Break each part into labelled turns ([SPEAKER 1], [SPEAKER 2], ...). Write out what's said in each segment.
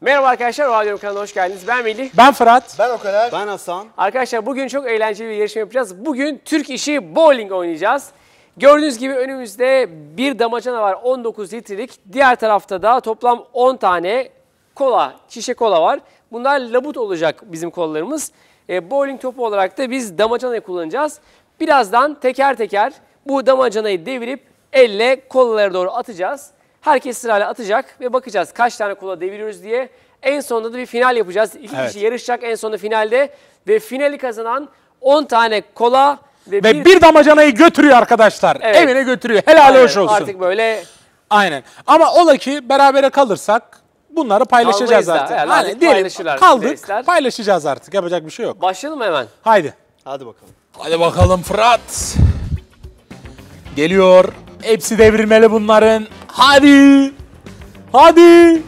[SPEAKER 1] Merhaba arkadaşlar, Radyo kanalına hoş geldiniz. Ben Melih.
[SPEAKER 2] Ben Fırat.
[SPEAKER 3] Ben Okaner.
[SPEAKER 4] Ben Hasan.
[SPEAKER 1] Arkadaşlar bugün çok eğlenceli bir yarışma yapacağız. Bugün Türk işi bowling oynayacağız. Gördüğünüz gibi önümüzde bir damacana var 19 litrelik. Diğer tarafta da toplam 10 tane kola, şişe kola var. Bunlar labut olacak bizim kolalarımız. Bowling topu olarak da biz damacanayı kullanacağız. Birazdan teker teker bu damacanayı devirip elle kolalara doğru atacağız. Herkes sırayla atacak ve bakacağız kaç tane kola deviriyoruz diye. En sonunda da bir final yapacağız. İki kişi yarışacak en sonunda finalde. Ve finali kazanan 10 tane kola ve
[SPEAKER 2] bir damacanayı götürüyor arkadaşlar.
[SPEAKER 1] Evet.
[SPEAKER 2] Evine götürüyor. Helal hoş olsun.
[SPEAKER 1] Artık böyle
[SPEAKER 2] Aynen. Ama ola ki berabere kalırsak bunları paylaşacağız
[SPEAKER 1] Kalmayız da,
[SPEAKER 2] artık.
[SPEAKER 1] herhalde
[SPEAKER 2] Hani diyelim
[SPEAKER 1] paylaşırlar
[SPEAKER 2] kaldık,
[SPEAKER 1] reisler.
[SPEAKER 2] paylaşacağız artık. Yapacak bir şey yok.
[SPEAKER 1] başlayalım mı hemen?
[SPEAKER 2] Haydi.
[SPEAKER 4] Hadi bakalım.
[SPEAKER 2] Hadi bakalım Fırat. Geliyor. Hepsi devrilmeli bunların. Hadi. Hadi.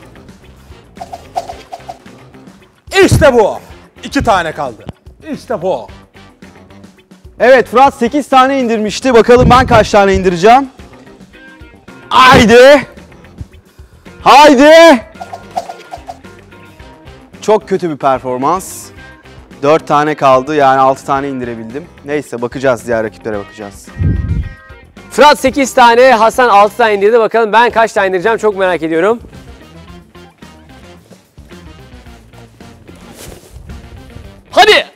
[SPEAKER 2] İşte bu. 2 tane kaldı. İşte bu.
[SPEAKER 4] Evet, Fırat 8 tane indirmişti. Bakalım ben kaç tane indireceğim. Haydi. Haydi. Çok kötü bir performans. 4 tane kaldı, yani 6 tane indirebildim. Neyse, bakacağız, diğer rakiplere bakacağız.
[SPEAKER 1] Fırat 8 tane, Hasan 6 tane indirdi. Bakalım ben kaç tane indireceğim çok merak ediyorum. Hadi!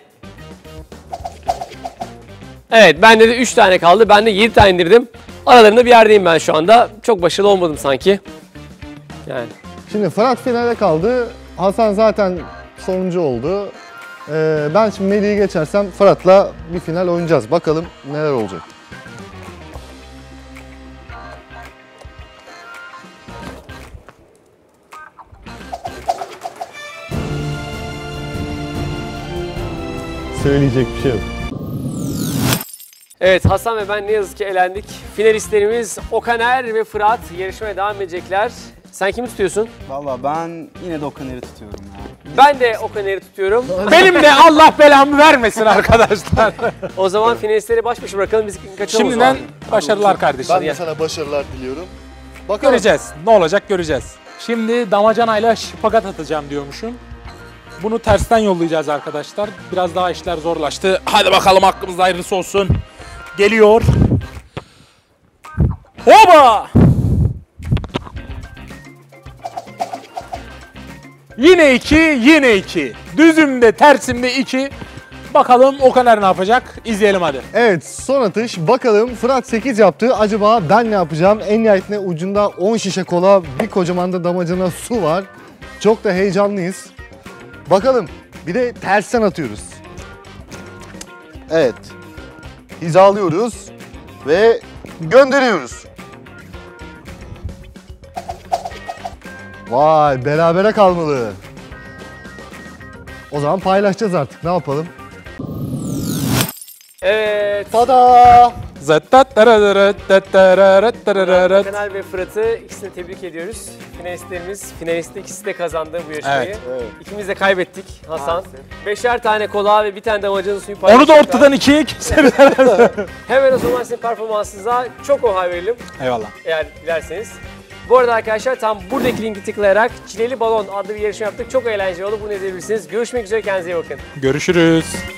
[SPEAKER 1] Evet, bende de 3 tane kaldı. Ben de 7 tane indirdim. Aralarında bir yerdeyim ben şu anda. Çok başarılı olmadım sanki. Yani.
[SPEAKER 3] Şimdi Fırat finale kaldı. Hasan zaten sonuncu oldu. Ben şimdi Melih'i geçersem Fırat'la bir final oynayacağız. Bakalım neler olacak. Söyleyecek bir şey yok.
[SPEAKER 1] Evet, Hasan ve ben ne yazık ki elendik. Finalistlerimiz Okaner ve Fırat yarışmaya devam edecekler. Sen kimi tutuyorsun?
[SPEAKER 4] Vallahi ben yine de Okaner'i tutuyorum ya.
[SPEAKER 1] Ben de Okaner'i tutuyorum.
[SPEAKER 2] Benim de Allah belamı vermesin arkadaşlar.
[SPEAKER 1] O zaman finalistleri baş başa bırakalım. Biz kaçalım.
[SPEAKER 2] Şimdiden başarılar kardeşim.
[SPEAKER 3] Ben de sana başarılar diliyorum. Bakalım.
[SPEAKER 2] Göreceğiz. Ne olacak göreceğiz. Şimdi damacanayla şipagat atacağım diyormuşum. Bunu tersten yollayacağız arkadaşlar. Biraz daha işler zorlaştı. Hadi bakalım hakkımızda hayırlısı olsun. Geliyor. Hoba! Yine 2, yine 2. Düzümde, tersimde 2. Bakalım Okaner ne yapacak? İzleyelim hadi.
[SPEAKER 3] Evet, son atış. Bakalım Fırat 8 yaptı. Acaba ben ne yapacağım? En nihayetinde ucunda 10 şişe kola, bir kocaman da damacana su var. Çok da heyecanlıyız. Bakalım. Bir de tersten atıyoruz. Evet. Hizalıyoruz ve gönderiyoruz. Vay, berabere kalmalı. O zaman paylaşacağız artık. Ne yapalım?
[SPEAKER 1] Evet.
[SPEAKER 3] Tada!
[SPEAKER 1] Okaner ve Fırat'ı ikisini tebrik ediyoruz. Finalistler ikisi de kazandı bu yarışmayı.
[SPEAKER 3] Evet.
[SPEAKER 1] İkimiz de kaybettik Hasan. 5'er tane kola ve bir tane damacana suyu paylaştık.
[SPEAKER 2] Onu da ortadan 2'ye keseriz.
[SPEAKER 1] Hemen o zaman sizin performansınıza çok oha verelim
[SPEAKER 2] Eyvallah.
[SPEAKER 1] eğer dilerseniz. Bu arada arkadaşlar tam buradaki linki tıklayarak Çileli Balon adlı bir yarışma yaptık. Çok eğlenceli oldu. Bunu izleyebilirsiniz. Görüşmek üzere. Kendinize iyi bakın.
[SPEAKER 2] Görüşürüz.